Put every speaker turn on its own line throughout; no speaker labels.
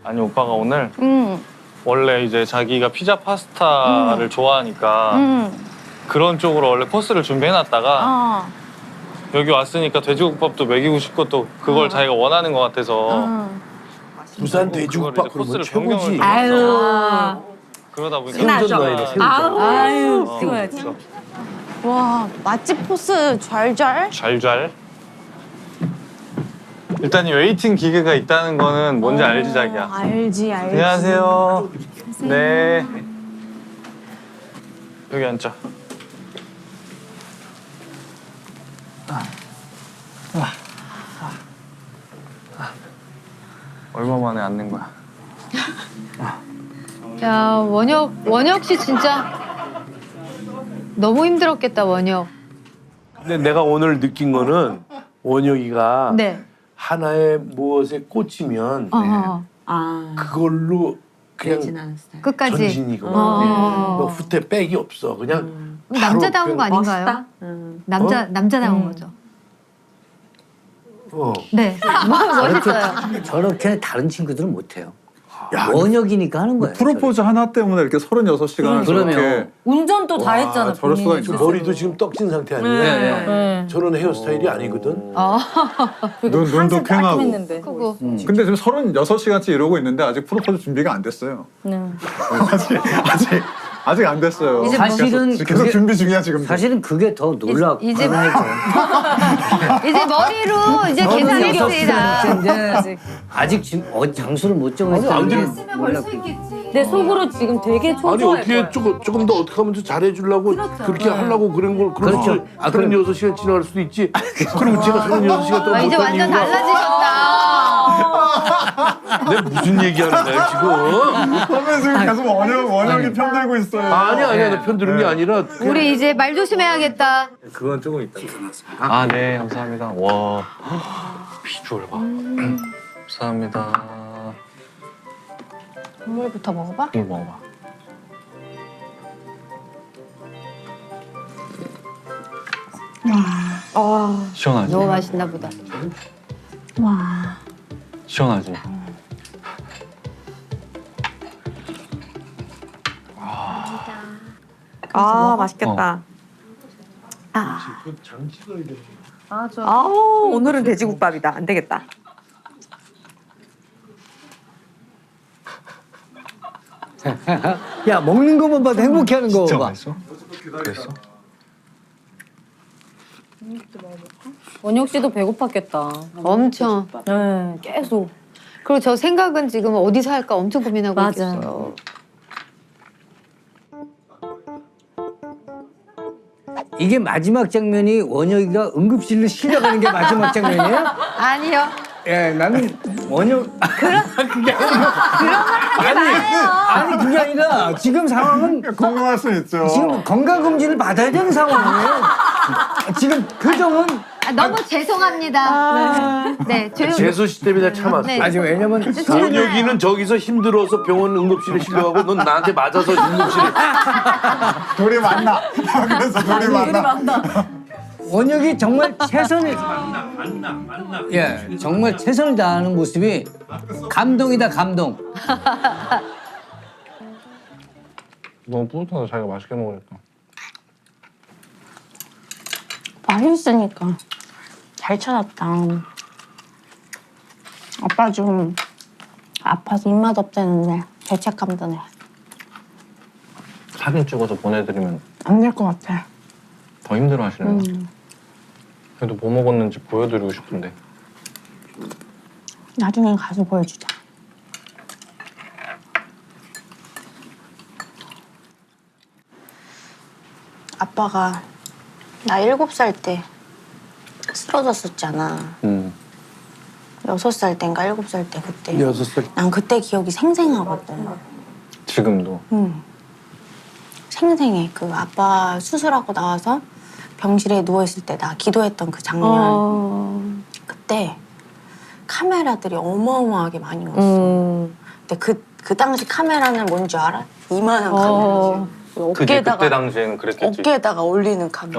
아니 오빠가 오늘 원래 이제 자기가 피자 파스타를 좋아하니까 그런 쪽으로 원래 코스를 준비해놨다가 여기 왔으니까 돼지국밥도 먹이고 싶고 또 그걸 자기가 원하는 것 같아서
부산 돼지국밥 그러면 최고지.
아유.
그러다 보니까
생전 나이네 생전.
아유.
찍어야지.
와, 맛집 포스 잘.
잘잘. 일단 이 웨이팅 기계가 있다는 거는 뭔지 알지 자기야?
알지.
안녕하세요. 네. 여기 앉자. 얼마 만에 앉는 거야?
야, 원혁 씨 진짜 너무 힘들었겠다, 원혁.
근데 내가 오늘 느낀 거는 원혁이가
네.
하나의 무엇에 꽂히면 그걸로 그냥
끝까지.
전진이거든. 너 후퇴 백이 없어. 그냥 바로
남자다운 거
그냥-
아닌가요? 남자다운 거죠. 네. 멋있어요.
저렇게 다른 친구들은 못해요.
야,
원혁이니까 하는 거예요.
프로포즈 하나 때문에 이렇게 36시간을
그러면.
저렇게
운전도 다 했잖아.
저럴 수가 있죠.
머리도 지금 떡진 상태 아니야?
네.
저런 헤어스타일이 아니거든.
눈도 퀭하고.
했는데.
크고.
근데 지금 36시간째 이러고 있는데 아직 프로포즈 준비가 안 됐어요. 아직 안 됐어요.
이제
사실은
계속
그게-
준비 중이야 지금.
사실은 그게 더 놀랍고
이제-
하죠.
이제 머리로 이제 계산했습니다.
아직 지금 장소를 못 정했어요.
아니, 안
근데 몰랐고.
내 속으로 지금 되게
아니
초조할
어떻게
거야.
조금 더 어떻게 하면 더 잘해주려고 그렇게 하려고 그런 걸 그럴
그렇죠.
수 36시간 지나갈 수도 있지. 그리고 제가 36시간 동안
이제
못한
완전
이유가
달라지셨다.
내가 무슨 얘기하는 거야 지금?
그러면 지금 계속 원형이 편들고 있어요.
아니야 나 편드는 게 아니라
우리 이제 말 조심해야겠다.
그건 조금 있다.
아, 네, 감사합니다. 와, 비주얼 봐. 감사합니다.
국물부터 먹어봐.
이거 먹어봐. 시원하지?
너무 맛있나 보다.
시원하지?
아 맛있겠다. 오늘은 돼지국밥이다. 안 되겠다.
야 먹는 것만 봐도 행복해하는 거
진짜
봐.
맛있어? 그랬어?
원혁 씨도 배고팠겠다.
엄청.
네, 계속.
그리고 저 생각은 지금 어디서 할까 엄청 고민하고
맞아.
있겠어요.
이게 마지막 장면이 원혁이가 응급실로 실려가는 게 마지막 장면이에요?
아니요.
예, 나는 원혁 그게 아니 그게 아니라 지금 상황은
궁금할 수 있죠.
지금 건강검진을 받아야 되는 상황이에요. 지금 표정은
너무 죄송합니다. 네, 조용.
재수 씨 때문에 내가 참았어.
네.
아니 왜냐면
원혁이는 저기서 힘들어서 병원 응급실에 실려가고 넌 나한테 맞아서 응급실에.
둘이 만나. 그래서 둘이 만나.
원혁이 정말 최선을 예, 정말 최선을 다하는 모습이 감동이다 감동.
너무 뿌듯하다. 자기가 맛있게 먹으니까.
맛있으니까. 잘 찾았다. 아빠 좀 아파서 입맛 없다는데 죄책감 드네.
사진 찍어서 보내드리면
안 될 것 같아.
더 힘들어 하시는 거. 그래도 뭐 먹었는지 보여드리고 싶은데.
나중엔 가서 보여주자. 아빠가 나 7살 때 쓰러졌었잖아. 6살 땐가 7살 때 그때.
6살.
난 그때 기억이 생생하거든.
지금도.
생생해. 그 아빠 수술하고 나와서 병실에 누워있을 때 나 기도했던 그 장면. 그때 카메라들이 어마어마하게 많이 왔어. 근데 그 당시 카메라는 뭔지 알아? 이만한 카메라지.
그때 당시에는 그랬겠지.
어깨에다가 올리는 카메라.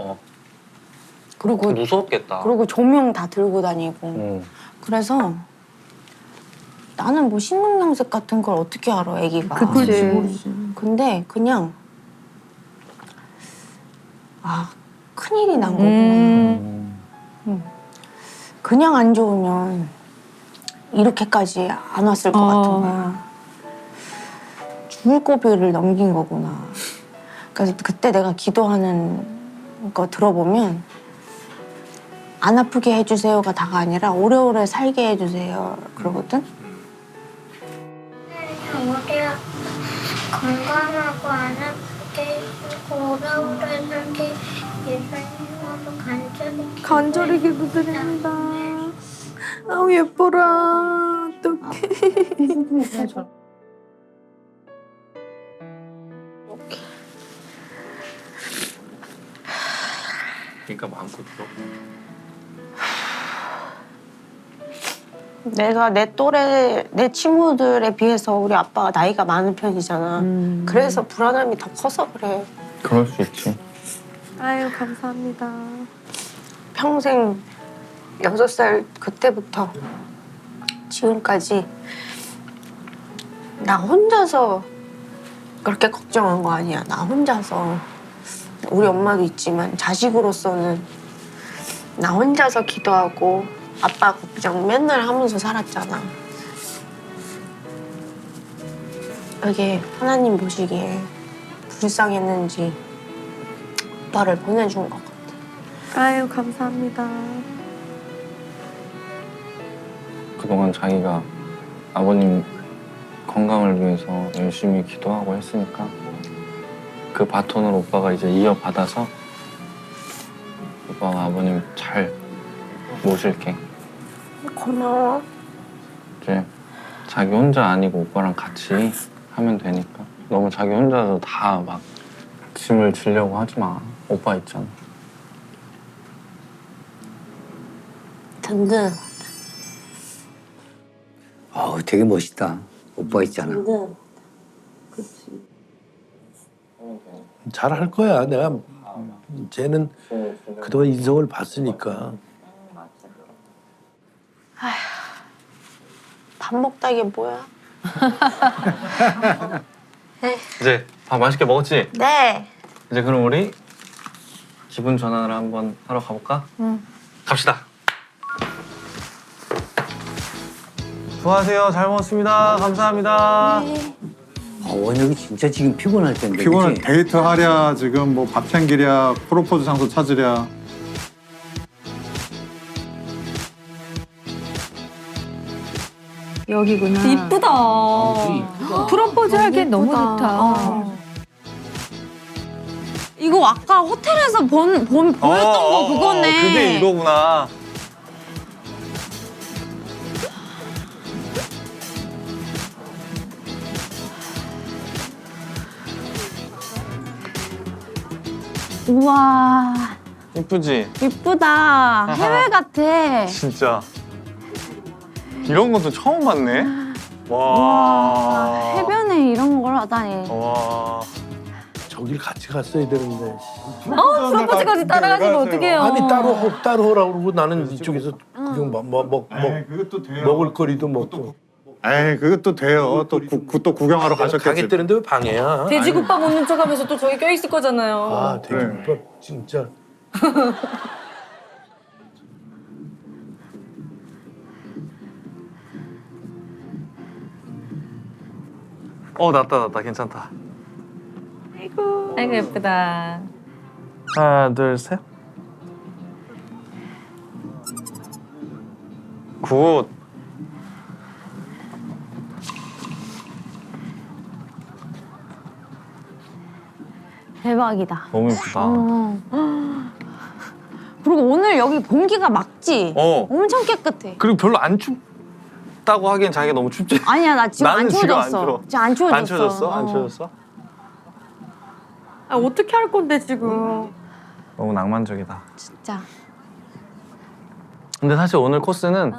그리고
무서웠겠다.
조명 다 들고 다니고. 그래서 나는 뭐 신근양색 같은 걸 어떻게 알아, 애기가.
그치.
근데 그냥 큰일이 난 거구나. 그냥 안 좋으면 이렇게까지 안 왔을 것 같은 거야. 죽을 고비를 넘긴 거구나. 그래서 그때 내가 기도하는 거 들어보면 안 아프게 해주세요가 다가 아니라 오래오래 살게 해주세요 그러거든.
우리가 건강하고 안 아프게 해주고 오래오래 살게 예수님으로 간절히 기도드립니다.
아우 예뻐라. 어떡해.
그러니까 마음껏 들어.
내가 내 또래 내 친구들에 비해서 우리 아빠가 나이가 많은 편이잖아. 그래서 불안함이 더 커서 그래.
그럴 수 있지.
아유 감사합니다.
평생 6살 그때부터 지금까지 나 혼자서 그렇게 걱정한 거 아니야. 나 혼자서 우리 엄마도 있지만 자식으로서는 나 혼자서 기도하고 아빠 걱정 맨날 하면서 살았잖아. 그게 하나님 보시기에 불쌍했는지 오빠를 보내준 것 같아.
아유 감사합니다.
그동안 자기가 아버님 건강을 위해서 열심히 기도하고 했으니까 그 바톤을 오빠가 이제 이어받아서 오빠가 아버님 잘 모실게.
고마워.
이제 자기 혼자 아니고 오빠랑 같이 하면 되니까 너무 자기 혼자서 다 막 짐을 지려고 하지 마. 오빠 있잖아.
든든.
되게 멋있다. 오빠 있잖아.
든든.
잘할 거야. 내가 쟤는 그동안 인성을 봤으니까.
밥 먹다 이게 뭐야?
이제 밥 맛있게 먹었지?
네.
이제 그럼 우리 기분 전환을 한번 하러 가볼까? 응. 갑시다. 수고하세요. 잘 먹었습니다. 감사합니다.
원혁이 진짜 지금 피곤할 텐데.
피곤한
그치?
데이트 하랴 지금 뭐 밥 챙기랴 프로포즈 장소 찾으랴.
여기구나.
이쁘다.
프로포즈 하기엔 너무 좋다.
이거 아까 호텔에서 보였던 거 그거네.
그게 이거구나.
우와,
이쁘지?
이쁘다. 해외 같아.
진짜. 이런 것도 처음 봤네. 와.
해변에 이런 걸 하다니.
와.
저길 같이 갔어야 되는데.
프로포즈까지 따라가시면 어떡해요.
아니 따로 하라고 그러고 나는 이쪽에서 구경
그것도 돼요.
먹을 거리도 먹고.
에이 그것도 돼요. 또 구경하러 가셨겠지.
가겠다는데 왜 방해야?
돼지국밥 먹는 척하면서 또 저기 껴있을 거잖아요.
아 돼지국밥 진짜.
낫다. 괜찮다.
아이고 예쁘다.
하나, 둘, 셋. 굿.
대박이다.
너무 예쁘다.
그리고 오늘 여기 공기가 맑지? 엄청 깨끗해.
그리고 별로 안 춥다고 하기엔 자기가 너무 춥지.
아니야, 나 지금 안
나는 지금 안
추워졌어.
추워.
지금 안 추워졌어.
안 추워졌어? 안 추워졌어?
아 어떻게 할 건데 지금.
너무 낭만적이다.
진짜.
근데 사실 오늘 코스는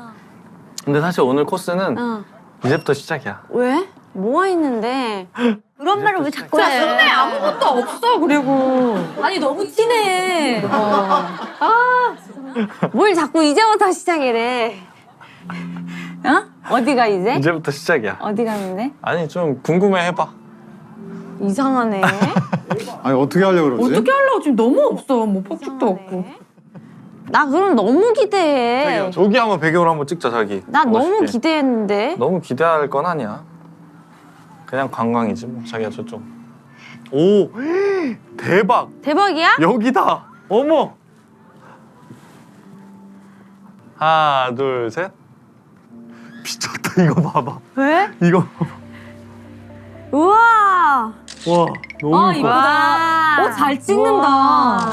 이제부터 시작이야.
왜? 뭐가 있는데?
그런 말을 왜 자꾸 해?
근데 아무것도 없어 그리고. 아니 너무 티네.
뭘 자꾸 이제부터 시작이래. 어디가 이제?
이제부터 시작이야.
어디 가는데?
아니 좀 궁금해 해봐.
이상하네.
아니 어떻게 하려고 그러지?
어떻게 하려고 지금 너무 없어. 뭐 폭죽도 없고.
나 그럼 너무 기대해.
저기 한번 배경으로 한번 찍자 자기.
나 너무
멋있게.
기대했는데.
너무 기대할 건 아니야. 그냥 관광이지 뭐. 자기가 저쪽. 오 대박.
대박이야?
여기다. 어머. 하나 둘 셋. 미쳤다 이거 봐봐.
왜?
이거.
우와.
와 너무
아,
이뻐.
이쁘다. 잘 찍는다.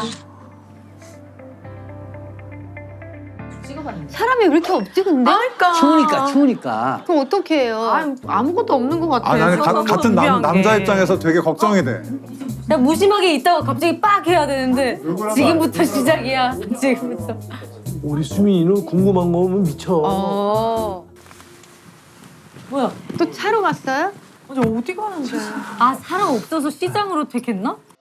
사람이 왜 이렇게 없지 근데?
그러니까.
추우니까.
그럼 어떻게 해요?
아무것도 없는 것 같아.
아 나는 같은 남자
게.
입장에서 되게 걱정이 돼.
나 무심하게 있다가 갑자기 빡 해야 되는데 지금부터 시작이야. 지금부터.
우리 수민이는 궁금한 거 오면 미쳐.
뭐야?
또 차로 갔어요?
어디 가는데? 아 사람 없어서 시장으로 택했나?